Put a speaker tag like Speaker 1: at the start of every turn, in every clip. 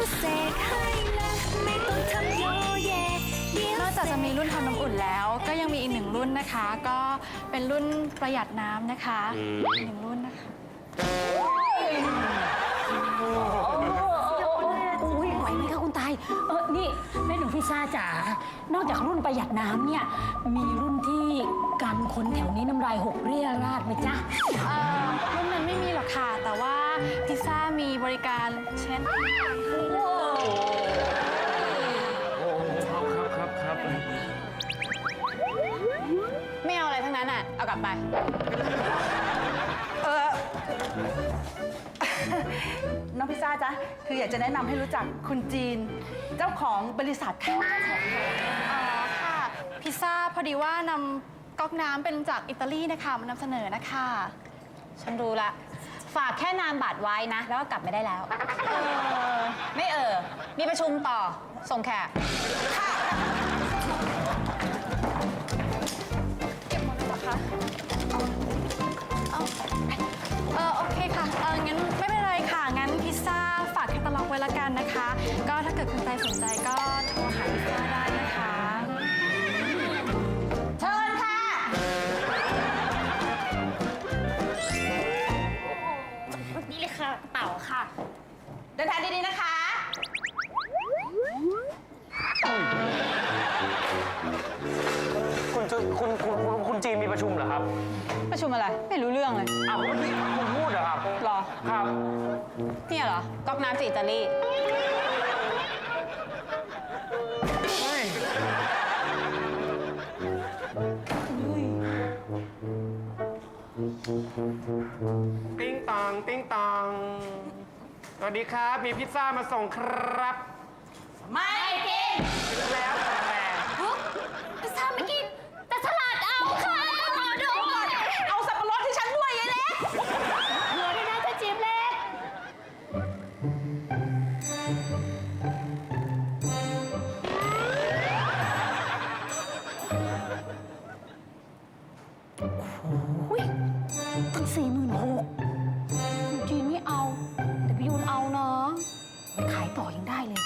Speaker 1: นอกจากจะมีรุ่นทำน้ำอุ่นแล้วก็ยังมีอีกหนึ่งรุ่นนะคะ ก็เป็นรุ่นประหยัดน้ำนะคะอีกหนึ่งรุ่นนะคะ
Speaker 2: อุ้ยไหวไหมคะคุณตายนี่แม่หนูพิซซ่าจ๋านอกจากรุ่นประหยัดน้ำเนี่ยมีรุ่นที่กันคนแถวนี้น้ำลายหกเรี่ยราดไหมจ๊ะ
Speaker 1: รุ่นนั้นไม่มีหรอกค่ะแต่ว่าพิซซ่ามีบริการเช็ด
Speaker 3: ครับ
Speaker 1: ไม่เอาอะไรทั้งนั้นอ่ะเอากลับไป
Speaker 4: น้องพิซซ่าจ๊ะคืออยากจะแนะนำให้รู้จักคุณจีนเจ้าของบริษัทค่ะ
Speaker 1: ค่ะพิซซ่าพอดีว่านำก๊อกน้ำเป็นจากอิตาลีนะคะมานำเสนอนะคะ
Speaker 5: ฉันรู้ละฝากแค่นามบัตรไว้นะแล้วก็กลับไม่ได้แล้วไม่มีประชุมต่อส่งแขก
Speaker 1: เก็บหมดแล้วเหรอคะโอเคค่ะงั้นไม่เป็นไรค่ะงั้นพิซซ่าฝากแคตตาล็อกไว้ละกันนะคะก็ถ้าเกิดคุณใจสนใจก็โทรหาพิซซ่าได้นะคะ
Speaker 5: เชิญค่ะ
Speaker 2: นี่เลยค่ะเต่าค่ะ
Speaker 5: เดินทางดีๆนะคะ
Speaker 3: คุณจีนมีประชุมเหรอครับ
Speaker 5: ประชุมอะไรไม่รู้เรื่องเลย
Speaker 3: อ้าวเมื่อกี้คุณพูดเหรอครับ
Speaker 5: หรอ
Speaker 3: ครับ
Speaker 5: เนี่ยเหรอก๊อกน้ำจากอิตาลี
Speaker 3: ติ้งตองติ้งตองสวัสดีครับมีพิซซ่ามาส่งครับ
Speaker 5: ไม่กิน
Speaker 3: แล้วแต่
Speaker 2: พิซซ่าไม่กินแต่สลัดเอาค่ะขอดู
Speaker 5: เอาสับปะรดที่ฉันด้วยยายเล็ก
Speaker 2: เหลือด้วยนะเจ้าจิ๊บเล็กอุ้ยตั้ง46,000จีนไม่เอาแต่พี่ยูนเอานะไปขายต่อยังได้เลย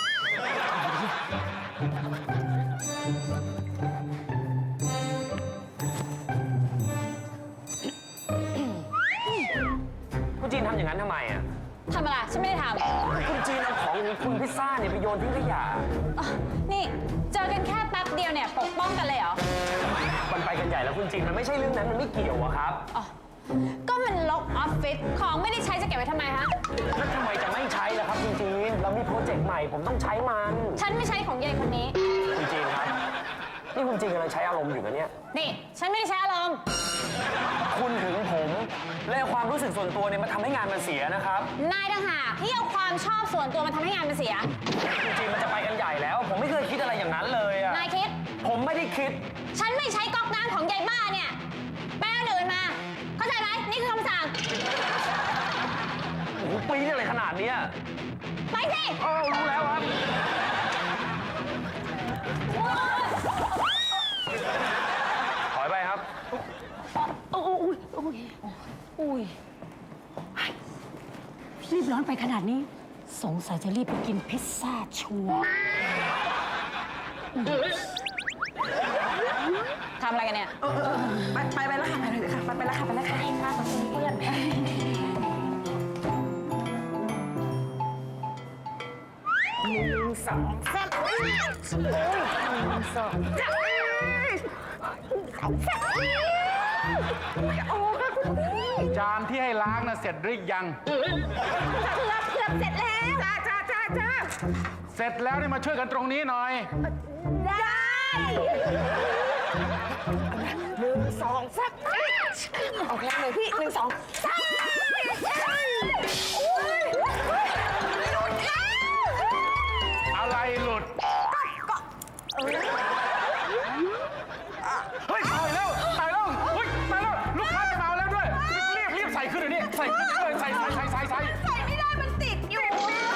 Speaker 3: คุณจีนทำอย่างนั้นทำไมอ่ะ
Speaker 5: ทำอะไรฉันไม่ได้ทำ
Speaker 3: คุณจีนเอาของคุณพิซซ่าเนี่ยไปโยนทิ้งขยะ
Speaker 5: นี่เจอกันแค่แป๊บเดียวเนี่ยปกป้องกันเลยเหรอ
Speaker 3: มันไปกันใหญ่แล้วคุณจีนมันไม่ใช่เรื่องนั้นมันไม่เกี่ยวอะครับ
Speaker 5: ก็มันลกออฟฟิศของไม่ได้ใช้จะเก็บไว้ทำไมฮะ
Speaker 3: แล้วทำไมจะไม่ใช้ล่ะครับคุณจีนเรามีโปรเจกต์ใหม่ผมต้องใช้มัน
Speaker 5: ฉันไม่ใช้ของยายคนนี้
Speaker 3: คุณจีนครับนี่คุณจีนกำลังใช้อารมณ์อยู่นะเนี่ย
Speaker 5: นี่ฉันไม่ได้ใช้อารมณ์
Speaker 3: คุณถึงผมและความรู้สึกส่วนตัวเนี่ยมันทำให้งานมันเสียนะครับ
Speaker 5: นายต่างหากที่เอาความชอบส่วนตัวมาทำให้งานมันเสีย
Speaker 3: คุณจีนมันจะไปกันใหญ่แล้วผมไม่เคยคิดอะไรอย่างนั้นเลยอะ
Speaker 5: นายคิด
Speaker 3: ผมไม่ได้คิด
Speaker 5: ฉันไม่ใช้ก๊อกน้ำของยายบ้าเนี่ยแป้งอื่นมาเข้าใจไหมนี่คือคำสั่ง
Speaker 3: โอ้โหปีนี่อะไรขนาดนี้
Speaker 5: ไปสิ
Speaker 3: รู้แล้วครับถอยไปครับ
Speaker 2: อุ้ยรีบร้อนไปขนาดนี้สงสัยจะรีบไปกินพิซซ่าชัวร์
Speaker 5: ทำอะไรกันเนี่ย
Speaker 4: ไปแล้วค่ะไปเลยค่ะไปแล้วค่ะค่ะเพื่อน
Speaker 3: 1 2 3
Speaker 6: จานที่ให้ล้างนะเสร็จหรือยัง
Speaker 5: เกือบเสร็จแล้ว
Speaker 6: จ้าเสร็จแล้วนี่มาช่วยกันตรงนี้หน่อย
Speaker 5: ได้
Speaker 4: 1 2 3โอเคเลยพี่1 2 3
Speaker 6: อะไรหลุดเฮ้ยตายแล้วเฮ้ยตายแล้วลูกค้าจะมาแล้วด้วยรีบใส่ขึ้นเลยนี่ใส่
Speaker 5: ไม่ได้มันติดอยู่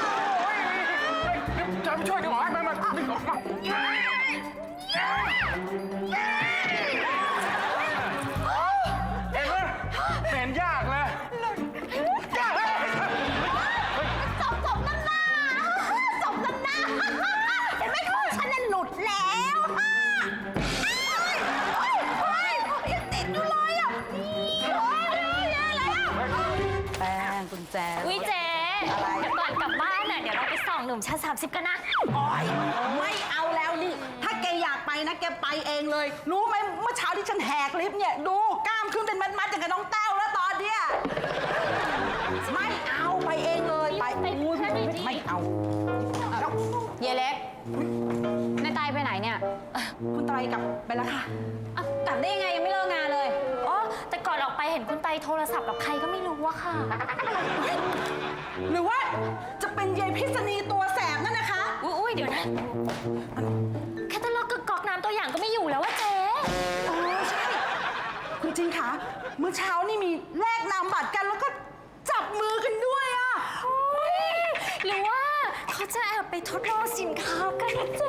Speaker 6: จะช่วยดีกว่ามันเห็นยากเลย
Speaker 5: จบน้ำหน้าจบ
Speaker 2: นุ่มชั้น30 กันนะ
Speaker 4: โอ๊ยไม่เอาแล้วนี่ ถ้าแกอยากไปนะแกไปเองเลย รู้ไหมเมื่อเช้าที่ฉันแหกลิฟต์เนี่ยดูกล้ามขึ้นเป็นมัดๆอย่างกับน้องแต้วแล้วตอนเนี้ยไม่เอาไปเองเลยไป
Speaker 2: ไป
Speaker 4: อุ๊ย
Speaker 2: แค่นี้ดิ
Speaker 4: ไม่เอาแล้ว
Speaker 5: เยเล็กนายตายไปไหนเนี่ย
Speaker 4: คุณไตรกลับไปแล้วค่ะ
Speaker 5: อ่ะกลับได้ยังไงยังไม่เลิกงานเลย
Speaker 2: อ๋อ แต่ก่อนออกไปเห็นคุณไตโทรศัพท์กับใครก็ไม่รู้อะค่ะ
Speaker 4: หรือว่าจะเป็นยายพิษณีตัวแสบนั่นนะคะ
Speaker 2: อุ้ยเดี๋ยวนะแคตตาล็อกกับก๊อกน้ำตัวอย่างก็ไม่อยู่แล้วว่าเจ๊
Speaker 4: อ๋อใช่ คุณจินคะเมื่อเช้านี่มีแลกนามบัตรกันแล้วก็จับมือกันด้วยอะ
Speaker 2: หรือว่าเขาจะแอบไปทดลองสินค้ากันนะเจ๊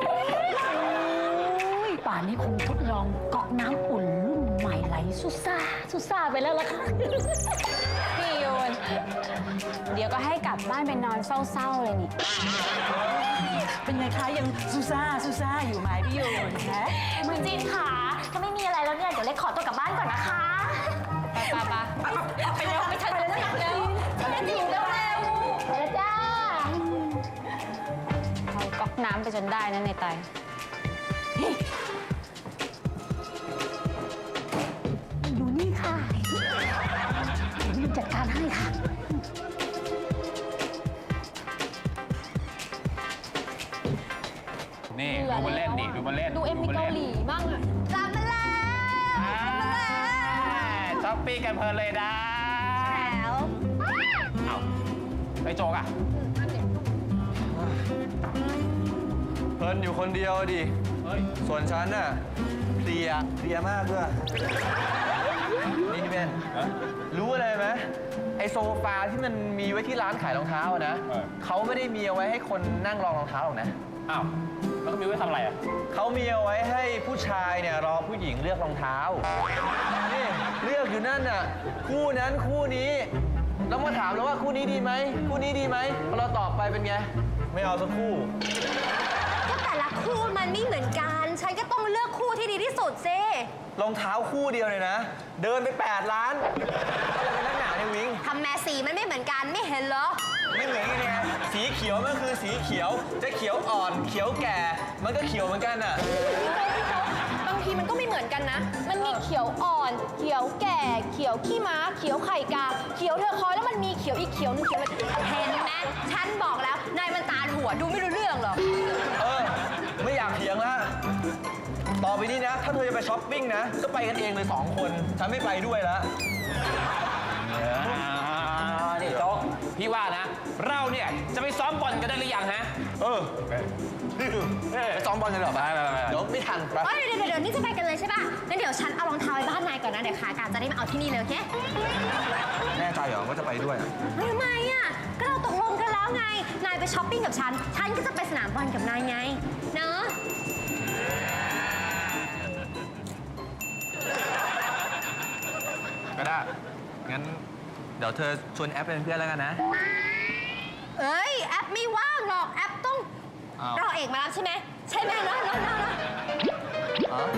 Speaker 2: ป่านนี้คงทดลองก๊อกน้ำอุ่นรุ่นใหม่ไหลสุซ่าไปแล้วล่ะค่ะ
Speaker 5: พี่โยน เดี๋ยวก็ให้กลับบ้านไปนอนเศร้าๆเลยนี่
Speaker 4: เป็นไงคะยังซูซ่าอยู่ไหมพี่โยนฮะ
Speaker 2: คุณจีนค่ะถ้าไม่มีอะไรแล้วเนี่ย เดี๋ยวเล็กขอตัวกลับบ้านก่อนนะคะ
Speaker 5: ไป
Speaker 2: ไปเร็วไปทันเลยนะเร็วจีนเร็วไปแล้วจ้า
Speaker 5: เอาก๊อกน้ำไปจนได้นะในไต
Speaker 2: อยู่นี่ค่ะเดี๋ยวจัดการให้ค่ะ
Speaker 6: นี่ดูมันเล่นดิดูมันเล่น
Speaker 2: ดูเอ็มวีเกาหลีบ้างอะ
Speaker 5: กลับมาแล้ว
Speaker 6: ช้อปปิ้งกันเพลินเลยนะ
Speaker 5: แล้ว
Speaker 6: เอ้าไอ้โจกอะ
Speaker 7: เพลินอยู่คนเดียวดิ
Speaker 6: เฮ้ย
Speaker 7: ส่วนฉันน่ะเพลียมากด้วย นี่พี่เบนรู้อะไรไหมไอโซฟาที่มันมีไว้ที่ร้านขายรองเท้าอะนะเขาไม่ได้มีเอาไว้ให้คนนั่งรองรองเท้าหรอกนะ
Speaker 6: อ้าวแล้วก็มีไว้ทำอะไรอะ
Speaker 7: เขามีเอาไว้ให้ผู้ชายเนี่ยรอผู้หญิงเลือกรองเท้า นี่เลือกอยู่นั่นน่ะคู่นั้นคู่นี้ แล้วมาถามแล้วว่าคู่นี้ดีไหมคู่นี้ดีไหมพอเราตอบไปเป็นไง ไม่เอาสักคู่
Speaker 8: ก็แต่ละคู่มันไม่เหมือนกัน ฉันก็ต้องเลือกคู่ที่ดีที่สุดสิ
Speaker 7: รองเท้าคู่เดียวเลยนะ เดินไป 8 ล้านอะไรเป็นนักหนาเนี่ยวิง
Speaker 8: ทำแม่สีมันไม่เหมือนกันไม่เห็นเหรอ
Speaker 7: ไม่เหมือนกันเนี่ยสีเขียวมันคือสีเขียว จะเขียวอ่อน เขียวแก่ มันก็เขียวเหมือนกันอ่ะ
Speaker 8: บางทีมันก็ไม่เหมือนกันนะ มันมีเขียวอ่อน เขียวแก่ เขียวขี้ม้า เขียวไข่กา เขียวเทอร์คอยส์แล้วมันมีเขียวอีกเขียวนึงเขียวอะไรเห็นไหมฉันบอกแล้ว นายมันตาหัวดูไม่รู้เรื่องหรอก
Speaker 7: เออ ไม่อยากเถียงละต่อไปนี้นะ ถ้าเธอจะไปช้อปปิ้งนะ ก็ไปกันเองเลย2 คน ฉันไม่ไปด้วยละ
Speaker 6: นี่โจ๊กพี่ว่านะ เราเนี่ยจะไปซ้อมบอลกันได้หรือยังฮะ
Speaker 7: เออนี่คือไปซ้อมบอลกันเหรอ
Speaker 6: ไป
Speaker 7: เดี๋ยวไม่ทันไป
Speaker 8: เอ้ยเดี๋ยวนี่จะไปกันเลยใช่ป่ะ งั้นเดี๋ยวฉันเอารองเท้าไปบ้านนายก่อนนะ เดี๋ยวขากลับจะได้มาเอาที่นี่เลยโอเค
Speaker 7: แน่ใจเหรอว่าจะไปด้วยอะ
Speaker 8: เฮ้ยทำไมอ่ะ ก็เราตกลงกันแล้วไง นายไปช้อปปิ้งกับฉัน ฉันก็จะไปสนามบอลกับนายไง เนอะ
Speaker 7: ก็ได้ งั้นเดี๋ยวเธอชวนแอปเป็นเพื่อนแล้วกันนะ
Speaker 8: เอ้ย แอปไม่ว่างหรอก แอปต้อง
Speaker 7: อ้าว
Speaker 8: รอเอกมารับใช่ไหม ใช่ไหมเนอะ
Speaker 7: อ๋อ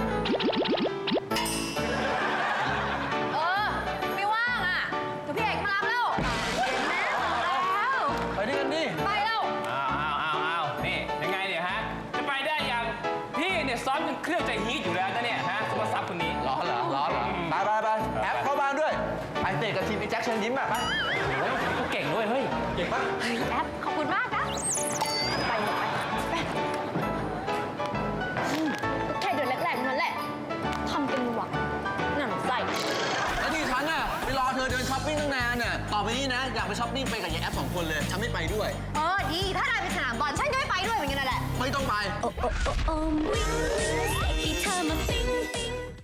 Speaker 8: ไม่ว่างอ่ะ เดี๋ยวพี่เอกมารับแล้วเห็นไหมบอกแล้ว
Speaker 7: ไปด้วยกันดิ
Speaker 8: ไปแล้ว
Speaker 6: อ้าวนี่ยังไงเนี่ยฮะ จะไปได้ยัง พี่เนี่ยซ้อมจนเครื่องใจฮีทอยู่แล้วนะเนี่ยฮะซุปเปอร์ซับคนนี้
Speaker 7: ร้อนเหรอ ไปแอปเข้าบ้านด้วย ไปเตะกับทีมไอ้แจ็คเชิญยิ้มอ่ะ ไป
Speaker 6: โอ้ยเขาเก่งด้วยเฮ้ย
Speaker 7: เก่งปะ
Speaker 8: แอป ขอบคุณมากนะ ไปแค่เดือนแรกๆนั่นแหละ ทำเป็นหวังหนังใส่
Speaker 7: แล้วที่ฉันน่ะไปรอเธอเดินช้อปปิ้งตั้งนานน่ะ ต่อไปนี้นะ อยากไปช้อปปิ้งไปกับยายแอป2 คนเลย ฉันไม่ไปด้วย
Speaker 8: ดี ถ้านายไปสนามบอลฉันก็ไม่ไปด้วยเหมือนกันนั่นแหละ
Speaker 7: ไม่ต้องไป
Speaker 9: โอ้โอ้โอ้วิ่งให้เธอมาปิ้ง